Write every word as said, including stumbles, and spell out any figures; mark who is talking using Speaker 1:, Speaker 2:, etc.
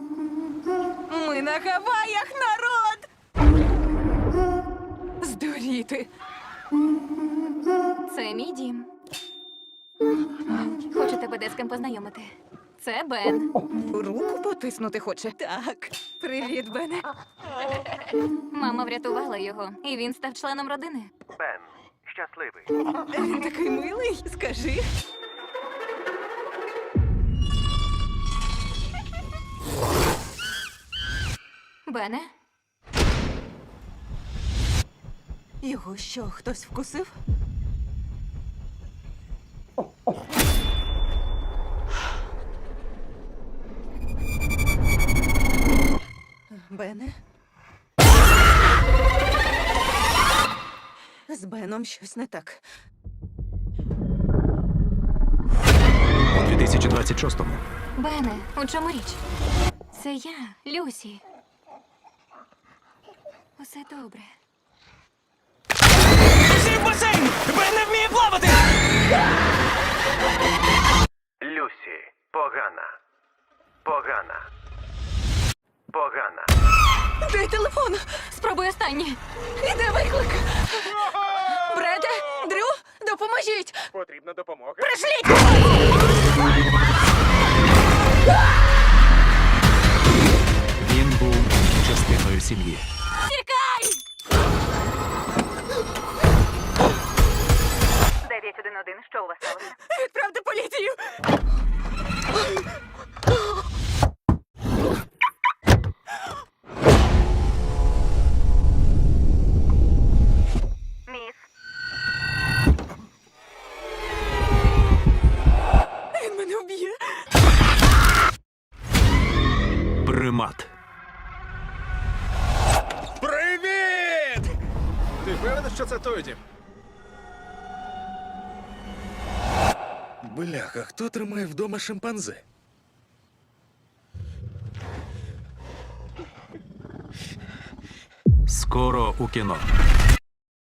Speaker 1: Ми на Гаваях, народ! Здуріти.
Speaker 2: Це мій дім. Хочу тебе де з ким познайомити. Це Бен.
Speaker 1: Руку потиснути хоче. Так. Привіт, Бене.
Speaker 2: Мама врятувала його, і він став членом родини.
Speaker 3: Бен, щасливий.
Speaker 1: Він такий милий, скажи.
Speaker 2: Бене?
Speaker 1: Його що, хтось вкусив? Бене? З Беном щось не так.
Speaker 4: У дві тисячі двадцять шостому
Speaker 2: Бене, у чому річ? Це я, Люсі. Усе добре.
Speaker 5: Всі в басейн! Бен не вміє плавати!
Speaker 3: Люсі, погана. Погана. Погана.
Speaker 1: Дай телефон!
Speaker 2: Спробуй останнє.
Speaker 1: Іде виклик! Бреде, Дрю, допоможіть!
Speaker 3: Потрібна допомога.
Speaker 1: Пришліть!
Speaker 4: він був частиною сім'ї.
Speaker 2: Тікай! дев'ять один один, що у вас сталося?
Speaker 1: Відправте поліцію!
Speaker 2: Міс.
Speaker 1: Він мене вб'є!
Speaker 4: Примат.
Speaker 5: Привіт! Ти впевнений, що це той дім? Бляха, хто тримає вдома шимпанзе?
Speaker 4: Скоро у кіно.